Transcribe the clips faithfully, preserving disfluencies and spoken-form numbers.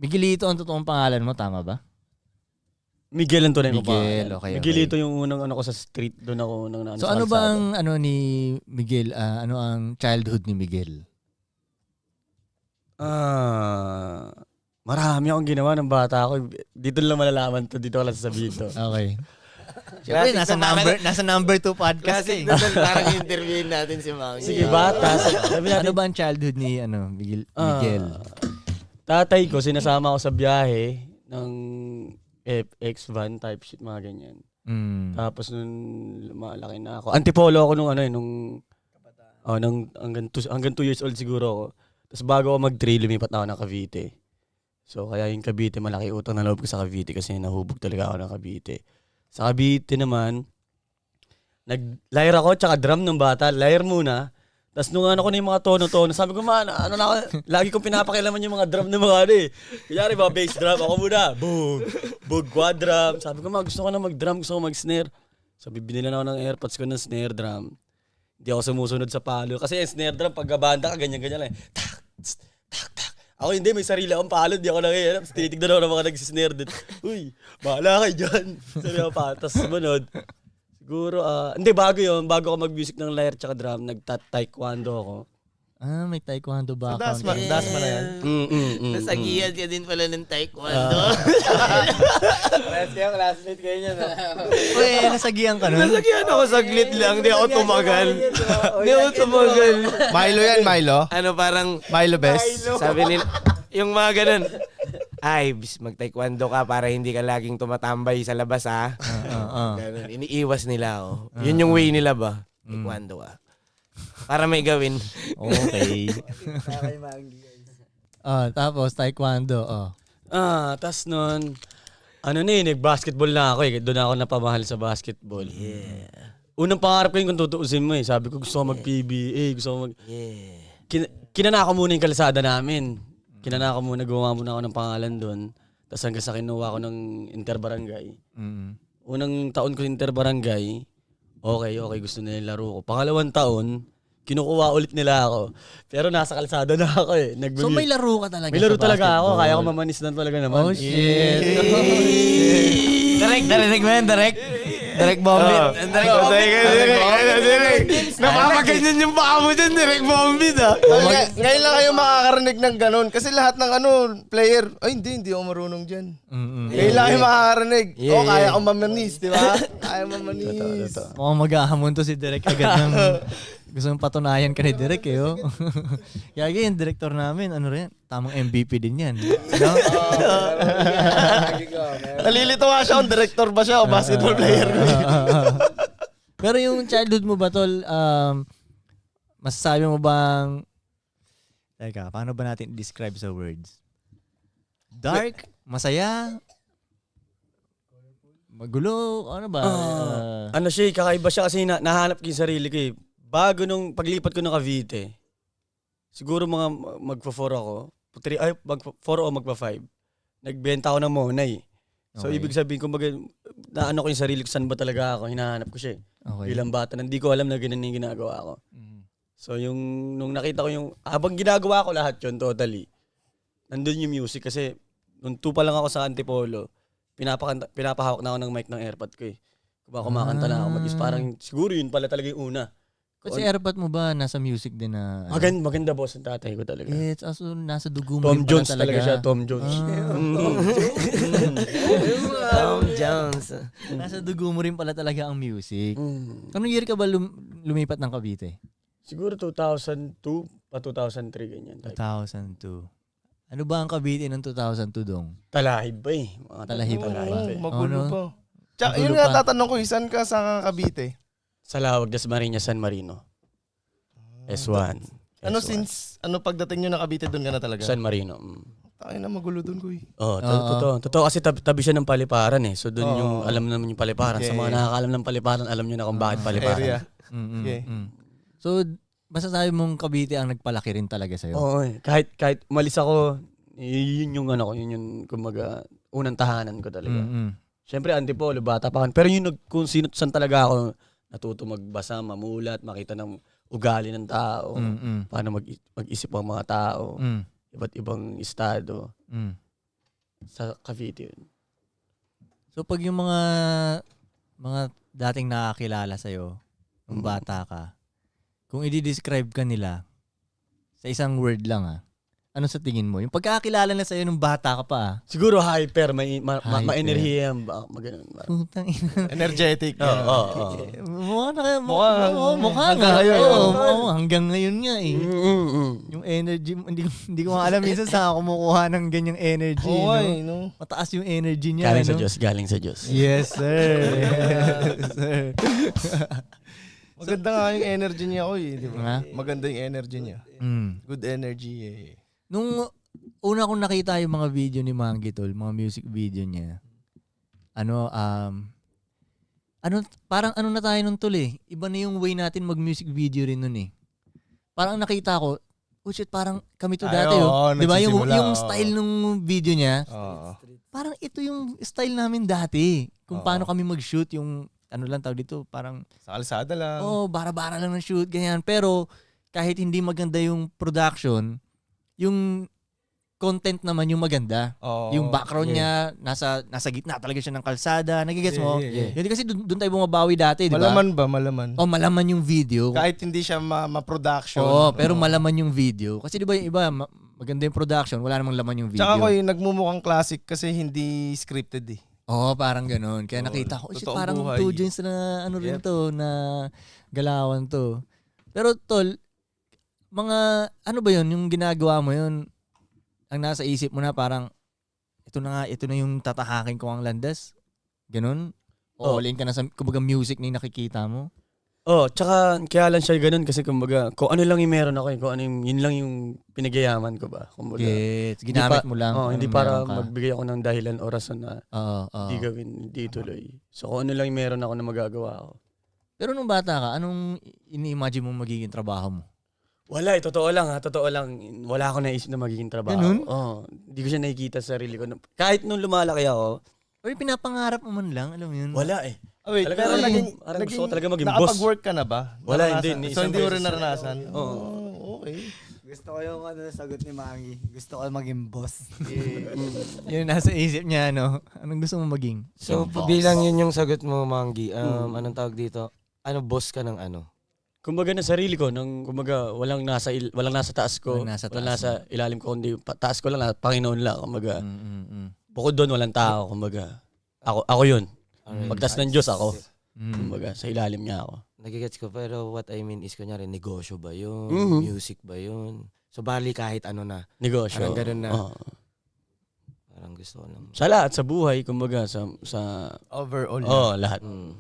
Miguelito ang totoong pangalan mo, tama ba? Miguel ang tunay mo pa. Miguel, okay, Miguelito okay. yung unang ano ko sa street, doon ako nang naano So sa ano ba kalsada. ang ano ni Miguel, ah, ano ang childhood ni Miguel? Ah, marami akong ginawa ng bata ako. Dito lang malalaman to, dito ko lang sasabihin to. Okay. Siyempre, nasa number, nasa number two podcast Kasi eh. doon parang interviewin natin si Mangi. Sige, bata. Sabi natin, Ano ba ang childhood ni ano Miguel? Ah, Miguel? tatay ko, sinasama ko sa biyahe ng F X van type shit, mga ganyan. Mm. Tapos nung malaki na ako, antipolo ako nung ano eh, nung, oh, nung hanggang two, hanggang two years old siguro ako. Tapos bago ako mag-three, lumipat na ako ng Cavite. So kaya yung Cavite, malaki utang na loob ko sa Cavite kasi nahubog talaga ako ng Cavite. Sa Cavite naman, nag-lyre ako, tsaka drum ng bata, lyre muna. Tapos nung ano ko na yung mga tono-tono, sabi ko, man, ano na ako, lagi kong pinapakilaman yung mga drum ng mga ano eh. Kunyari ba, bass drum, ako muna, boom, boom, quad drum. Sabi ko, ma, gusto ko na mag-drum, gusto ko mag-snare. Sabi, binila na ako ng airpods ko ng snare drum. Hindi ako sumusunod sa palo. Kasi yung snare drum, pag gabanda ka, ganyan-ganyan lang. Tak, tss, tak, tak. Ako hindi, may sarili akong palo, hindi ako nangyayarap. Tapos tinitignan ako ng mga nagsisnare din. Uy, bahala kayo dyan. Sabi ako pa, tapos sumunod. Siguro, ah, hindi, bago yun. Bago ako mag-music ng lyre tsaka drum, nagta-taekwondo ako. Ah, may taekwondo So, background. dasma, eh. dasma na yan. Mm, mm, mm, Nasagihan ka din pala ng taekwondo. Parehas kayo, classmate kayo niya. Uy, nasagihan ka nun? Nasagihan ako saglit lang, di ako tumagal. Di ako tumagal. Milo yan, Milo. Ano parang, Milo best. sabi nila, yung mga ganun, ay, bis, mag-taekwondo ka para hindi ka laging tumatambay sa labas, ha? Ah, ah, ah. Ganun, iniiwas nila, oh. Yun yung way nila ba? Taekwondo ka. Para may gawin. Okay. Ah, tapos taekwondo, oh. Ah, tas nun, ano na eh, nag-basketball na ako eh. Doon ako napamahal sa basketball. Yeah. Unang pangarap ko yun kung tutuusin mo eh. Sabi ko gusto ko mag-P B A, gusto ko mag... Yeah. Kin- kinanako muna yung kalsada namin. Kinanako muna, gumawa muna ako ng pangalan doon. Tapos hanggang sa kinuha ko ng interbarangay. Mm. Unang taon ko interbarangay, okay, okay, gusto nila yung laro ko. Pangalawang taon, kinukuha ulit nila ako. Pero nasa kalsada na ako eh. Nag- So may laro ka talaga May laro sa talaga ako, basketball? kaya ko mamanis na talaga naman. Oh, shit. Direk, narinig mo yan, Direk? Direk Bombit. Direk Bombit. Napapaganyan yung baka mo dyan, direct bombit, ha? Ngay- ngayon lang kayo makakarinig ng ganun. Kasi lahat ng ano, player, ay hindi, hindi ako marunong dyan. Mm-mm. Ngayon lang kayo makakarinig. Yeah, oh, kaya yeah. akong mamanis, di ba? Kaya mamanis. Mukhang maghahamon to si Direk agad ng gusto mong patunayan ka ni Direk eh. Oh. Kaya yung director namin, ano rin, tamang M V P din yan. No? Nalilito nga siya kung director ba siya o basketball player. Pero yung childhood mo ba, tol, um, masasabi mo bang, teka, paano ba natin describe sa words? Dark? Masaya? Magulo? Ano ba? Uh, Ano siya, eh, kakaiba siya kasi na, nahanap ko yung sarili ko eh. Bago nung paglipat ko ng Cavite, siguro mga magpa-four ako, three, ay, magpa-four o magpa-five. Nagbenta ako ng Monay. So, Okay. ibig sabihin, kumbaga, naano ko yung sarili ko, saan ba talaga ako, hinahanap ko siya eh. okay. Bilang bata, hindi ko alam na ganun yung ginagawa ko. Mm. So, yung, nung nakita ko yung, habang ginagawa ko lahat yun, totally, nandun yung music kasi, nung two pa lang ako sa Antipolo, pinapakanta, pinapahawak na ako ng mic ng airpod ko eh. Kung kumakanta na ako, mag parang, siguro yun pala talaga yung una. Kasi airpot mo ba nasa music din na... ano? Maganda, maganda boss ang tatay ko talaga. It's also nasa dugo mo Tom rin pala Jones talaga siya, Tom Jones. Tom Jones. Nasa dugo mo rin pala talaga ang music. Mm. Anong year ka ba lum- lumipat ng Cavite? Siguro two thousand two pa two thousand three ganyan. two Type. thousand two. Ano ba ang Cavite ng two thousand two dong? Talahib ba eh. Mga Talahib ba? talahib eh. Magulo Oh, no? pa. Tsaka, Magulo yun nga pa. tatanong ko, isan ka sa Cavite? Sa Lawag, Das Marinas, San Marino. S one. Ano S one. since, ano pagdating nyo na Cavite, doon ka na talaga? San Marino. Mm. Tayo na magulo doon, kuy. Oh, to- Oo. totoo. Totoo kasi tab- tabi siya ng paliparan eh. So doon Oo. yung alam naman yung paliparan. Sa Okay. mga nakakaalam ng paliparan, alam nyo na kung bakit paliparan. Area. Mm-mm, Okay. mm. So, masasabi mong Cavite ang nagpalaki rin talaga sa'yo? Oo eh. Kahit, kahit umalis ako, y- yun yung ano ko, yun yung kumbaga, unang tahanan ko talaga. Mm-mm. Siyempre, Antipolo, bata pa ako. Pero yung nag- kung sino saan talaga ako natuto magbasa, mamulat, makita ng ugali ng tao, Mm-mm. paano mag- mag-isip ang mga tao, Mm. iba't ibang estado. Mm. sa Cavite yun. So pag yung mga mga dating nakakilala sa'yo, nung bata ka, kung i-describe ka nila sa isang word lang ah, ano sa tingin mo? Yung pagkakakilala na sa'yo nung bata ka pa ah. Siguro hyper, may ma, ma, Hyper. ma-enerhiya, ba, maganon. Putang ina. Energetic. Oo, oo, oo. Mukha na kaya. Mukha, Mukha, mukha hanggang nga. ngayon, Oo, oo. oo, hanggang ngayon nga eh. Mm, mm, mm. Yung energy, hindi, ko- hindi ko nga alam minsan saan ako kumukuha ng ganyang energy. Oo, no? ay, no? Mataas yung energy niya. Galing sa no? Diyos, galing sa Diyos. Yes, sir. Yes, sir. Maganda nga yung energy niya, oy, di Nga? ba? Maganda yung energy niya. Mm. Good energy eh. Nung una kong nakita yung mga video ni Mangi Tol, mga music video niya, ano, um, ano, parang ano na tayo nun Tol eh. Iba na yung way natin mag-music video rin nun eh. Parang nakita ko, oh shit, parang kami to Ay, dati oo, oh. Di ba? Yung, nagsisimula, yung oo. style nung video niya, Oo. parang ito yung style namin dati. Kung Oo. paano kami mag-shoot, yung ano lang tawag dito, parang Sa kalsada lang. oh, bara-bara lang ng shoot, ganyan. Pero kahit hindi maganda yung production, yung content naman yung maganda. Oo. Yung background Yeah. niya, nasa nasa gitna talaga siya ng kalsada. Nagigets mo? Yeah, yeah, yeah. Yun kasi dun, dun tayo bumabawi dati, di ba? Malaman ba? Malaman. Oh, malaman yung video. Kahit hindi siya ma- ma-production. Oo, pero Oo. malaman yung video. Kasi di ba yung iba, ma- maganda yung production, wala namang laman yung video. Tsaka ko yung nagmumukhang classic kasi hindi scripted eh. Oo, parang ganun. Kaya Oo, nakita ko, shit, totoong parang buhay. two joints na ano rin Yep. to, na galawan to. Pero tol, mga, ano ba yun, yung ginagawa mo yun, ang nasa isip mo na parang, ito na nga, ito na yung tatahakin ko ang landas. Ganun? O Oo. all in ka na sa, kumbaga, music na yung nakikita mo? Oh, tsaka kaya lang siya ganun kasi kumbaga, kung ano lang yung meron ako, eh, kung ano yung, yun lang yung pinagyayaman ko ba. Kumbaga, Gets. Hindi Ginamit pa- mo lang. oh, kung hindi anong para meron ka. magbigay ako ng dahilan o rason na Oo, oo. hindi gawin, hindi tuloy. So kung ano lang yung meron ako na magagawa ako. Pero nung bata ka, anong ini-imagine mo magiging trabaho mo? Wala eh, totoo lang ha, totoo lang. Wala ako naisip na magiging trabaho. Ganun? Oo, hindi ko siya nakikita sa sarili ko. Kahit nung lumalaki ako, O yung pinapangarap mo man lang, alam mo yun? wala eh. Oh, wait, Talaga pero naging- naging, parang gusto naging, ko talaga maging boss. nakapag-work ka na ba? Wala, Naranasan? hindi, ni So isang hindi mo rin beses. naranasan? Oo. Oh, okay. Gusto ko yung ano, sagot ni Mangi. Gusto ko maging boss. Yun nasa isip niya, ano? Anong gusto mo maging? So, bilang yun yung sagot mo, Mangi, um, anong tawag dito? Ano, boss ka ng ano? Kumbaga na sarili ko, nang kumbaga walang nasa il, walang nasa taas ko, Walang nasa walang taas nasa ilalim ko, kundi pa, taas ko lang, na, Panginoon lang, kumbaga. Mm, mm, mm. Bukod doon walang tao, kumbaga. Ako ako 'yun. Alright. Pagtas ng Diyos ako, Mm. kumbaga sa ilalim niya ako. Nagigets ko, pero what I mean is, kunyari, negosyo ba yun? Mhm. Music ba yun? So, bali kahit ano na. Negosyo. Parang ganun na. Oo. Parang gusto ko lang. Sa lahat sa buhay, kumbaga sa sa Overall. oh, lahat. Mm.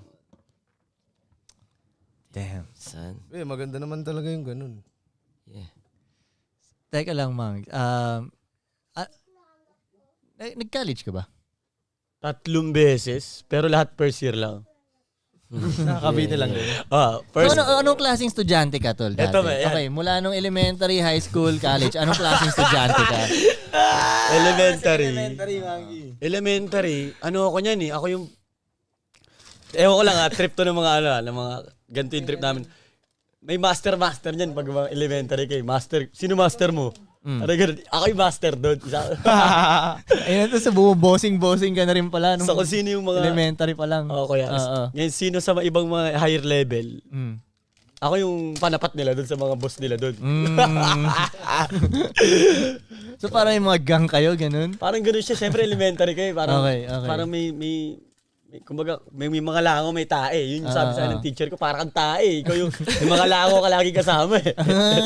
Damn. San? Eh, maganda naman talaga yung ganun. Yeah. Teka lang, Mang. Um, ah, nag- nag-college ka ba? Tatlong beses, pero lahat first year lang. Nakakabiti lang din. Ah, So, first ano, anong klaseng estudyante ka, Tol? Dati? Eto ba, yan. Okay, mula nung elementary, high school, college, anong klaseng estudyante ka? elementary. Elementary, Mangi. Elementary, ano ako niyan eh, ako yung ewan ko lang ha, trip to ng mga ano, ng mga ganito yung trip namin. May master-master niyan pag mga elementary kay master. Sino master mo? Mm. Ano ganun? Ako yung master doon. Isa. Ayun, ito sa bumubosing-bossing ka na rin pala. Nung So kung sino yung mga elementary pa lang. Oo, kuya. Oo. Ngayon, sino sa mga ibang mga higher level, Mm. ako yung panapat nila doon sa mga boss nila doon. Mm. So parang yung mga gang kayo, ganun? Parang gano'n siya. Siyempre, elementary kayo. Parang, Okay, okay. parang may, may, may, kumbaga, may, may mga lango, may tae. Yun yung sabi Ah, sa akin ah. ng teacher ko, parang kang tae. Ikaw yung, yung mga lango ka lagi kasama eh.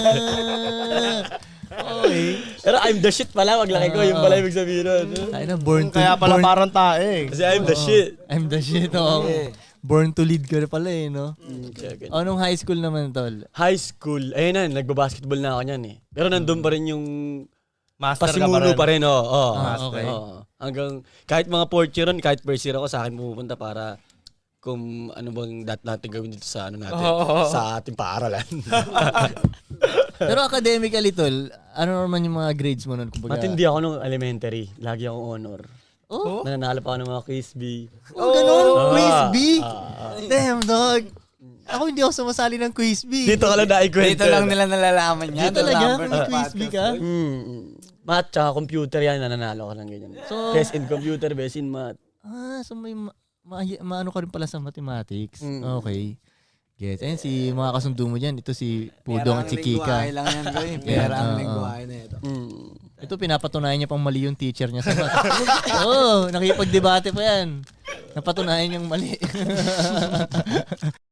Ah, okay. Pero I'm the shit pala, maglaki ko. Yung pala ibig sabihin nun. Ay na, born to, Kaya pala born, parang tae. Kasi I'm the shit. I'm the shit, oh. Born to lead ka na pala eh, no? Mm, check it. O, nung high school naman, Tol? High school, ayun na, nagbabasketball na ako niyan eh. Pero nandun pa rin yung Master ka pa pasimuno rin. pa rin, oo. Oh, Ah, okay. Hanggang, kahit mga fourth year ron, kahit first year ako, sa akin pumupunta para kung ano bang dat natin gawin dito sa ano natin, sa ating paaralan. Pero academically, Tol, ano naman yung mga grades mo nun? Kumbaga, Matindi ako nung elementary. Lagi akong honor. Oh, Nananalo pa ako ng mga quiz bee. oh ganun? Quiz B? Ah, Damn, dog. Ako hindi ako sumasali ng quiz B. dito ka lang naikwento. Dito lang nila nalalaman yan. Dito talaga? Number May ng quiz B ka? podcast. Mm. Math tsaka computer yan, nananalo ka ng ganyan. So, Best in computer, best in math. ah, so may ma- ma- maano ka rin pala sa mathematics. Mm. Okay. Gets. Ayun, si mga kasundo mo dyan. Ito si Pudong at si Kika. Pera ang lingwahe lang yan, boy. Pera ang Oo. lingwahe na ito. Mm. Ito, pinapatunayan niya pang mali yung teacher niya sa math. Oo, oh, nakipag-debate pa yan. Napatunayan yung mali.